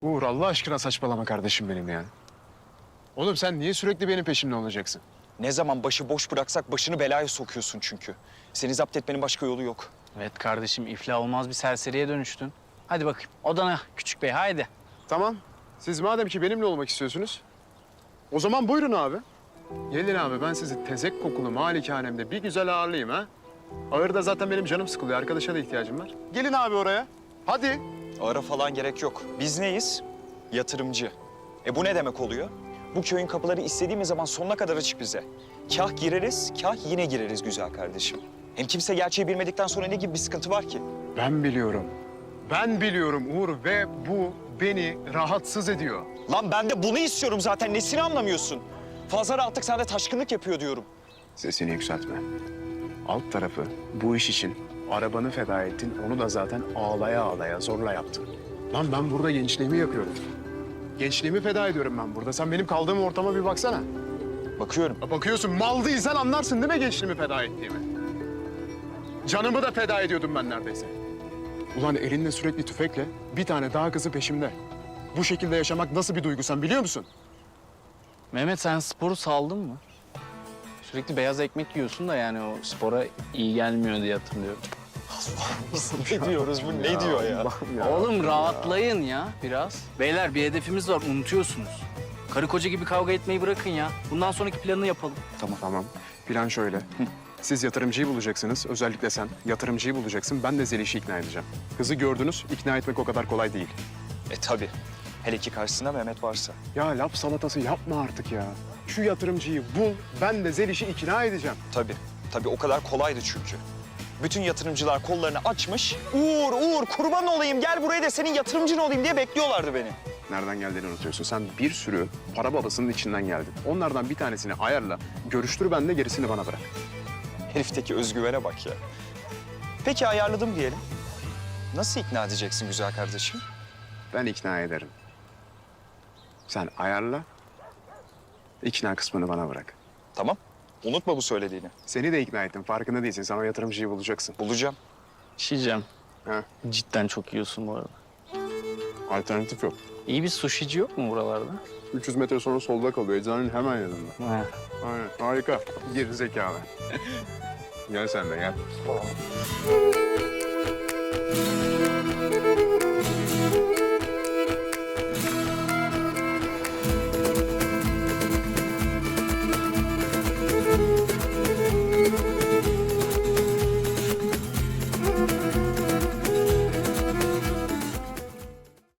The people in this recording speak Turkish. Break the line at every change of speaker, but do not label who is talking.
Uğur Allah aşkına saçmalama kardeşim benim ya. Oğlum sen niye sürekli benim peşimde olacaksın?
Ne zaman başı boş bıraksak başını belaya sokuyorsun çünkü. Seni zapt etmenin başka yolu yok.
Evet kardeşim, iflah olmaz bir serseriye dönüştün. Hadi bakayım odana küçük bey, haydi.
Tamam. Siz madem ki benimle olmak istiyorsunuz, o zaman buyurun abi. Gelin abi, ben sizi tezek kokulu malikanemde bir güzel ağırlayayım ha. Ağırda zaten benim canım sıkılıyor, arkadaşa da ihtiyacım var. Gelin abi oraya. Hadi.
Ara falan gerek yok. Biz neyiz? Yatırımcı. Bu ne demek oluyor? Bu köyün kapıları istediğimiz zaman sonuna kadar açık bize. Kah gireriz, kah yine gireriz güzel kardeşim. Hem kimse gerçeği bilmedikten sonra ne gibi bir sıkıntı var ki?
Ben biliyorum. Ben biliyorum Uğur ve bu beni rahatsız ediyor.
Lan ben de bunu istiyorum zaten. Nesini anlamıyorsun? Fazla rahatlık sende taşkınlık yapıyor diyorum.
Sesini yükseltme. Alt tarafı bu iş için arabanı feda ettin. Onu da zaten ağlaya ağlaya zorla yaptın. Lan ben burada gençliğimi yapıyorum. Gençliğimi feda ediyorum ben burada. Sen benim kaldığım ortama bir baksana.
Bakıyorum.
Bakıyorsun, mal değilsen anlarsın değil mi gençliğimi feda ettiğimi? Canımı da feda ediyordum ben neredeyse. Ulan elinde sürekli tüfekle bir tane daha kızı peşimde. Bu şekilde yaşamak nasıl bir duygu sen biliyor musun?
Mehmet, sen sporu saldın mı? Sürekli beyaz ekmek yiyorsun da yani o spora iyi gelmiyor diye hatırlıyorum.
Ne diyoruz bu? Ne diyor ya?
Oğlum rahatlayın ya biraz. Beyler bir hedefimiz var, unutuyorsunuz. Karı koca gibi kavga etmeyi bırakın ya. Bundan sonraki planını yapalım.
Tamam. Plan şöyle. Siz yatırımcıyı bulacaksınız. Özellikle sen yatırımcıyı bulacaksın. Ben de Zeliş'i ikna edeceğim. Kızı gördünüz. İkna etmek o kadar kolay değil.
Tabii. Hele ki karşısında Mehmet varsa.
Ya laf salatası yapma artık ya. Şu yatırımcıyı bul. Ben de Zeliş'i ikna edeceğim.
Tabii o kadar kolaydı çünkü. Bütün yatırımcılar kollarını açmış. Uğur kurban olayım gel buraya da senin yatırımcın olayım diye bekliyorlardı beni.
Nereden geldiğini unutuyorsun. Sen bir sürü para babasının içinden geldin. Onlardan bir tanesini ayarla. Görüştür ben de gerisini bana bırak.
Herifteki özgüvene bak ya. Peki ayarladım diyelim. Nasıl ikna edeceksin güzel kardeşim?
Ben ikna ederim. Sen ayarla. İkna kısmını bana bırak.
Tamam. Unutma bu söylediğini.
Seni de ikna ettim. Farkında değilsin. Sen o yatırımcıyı bulacaksın.
Bulacağım.
Şişeceğim.
Ha?
Cidden çok yiyorsun bu arada.
Alternatif yok.
İyi bir sushici yok mu buralarda?
300 metre sonra solda kalıyor. Eczanenin hemen yanında.
He.
Aynen. Harika. Geri zekalı. Gel sen de gel.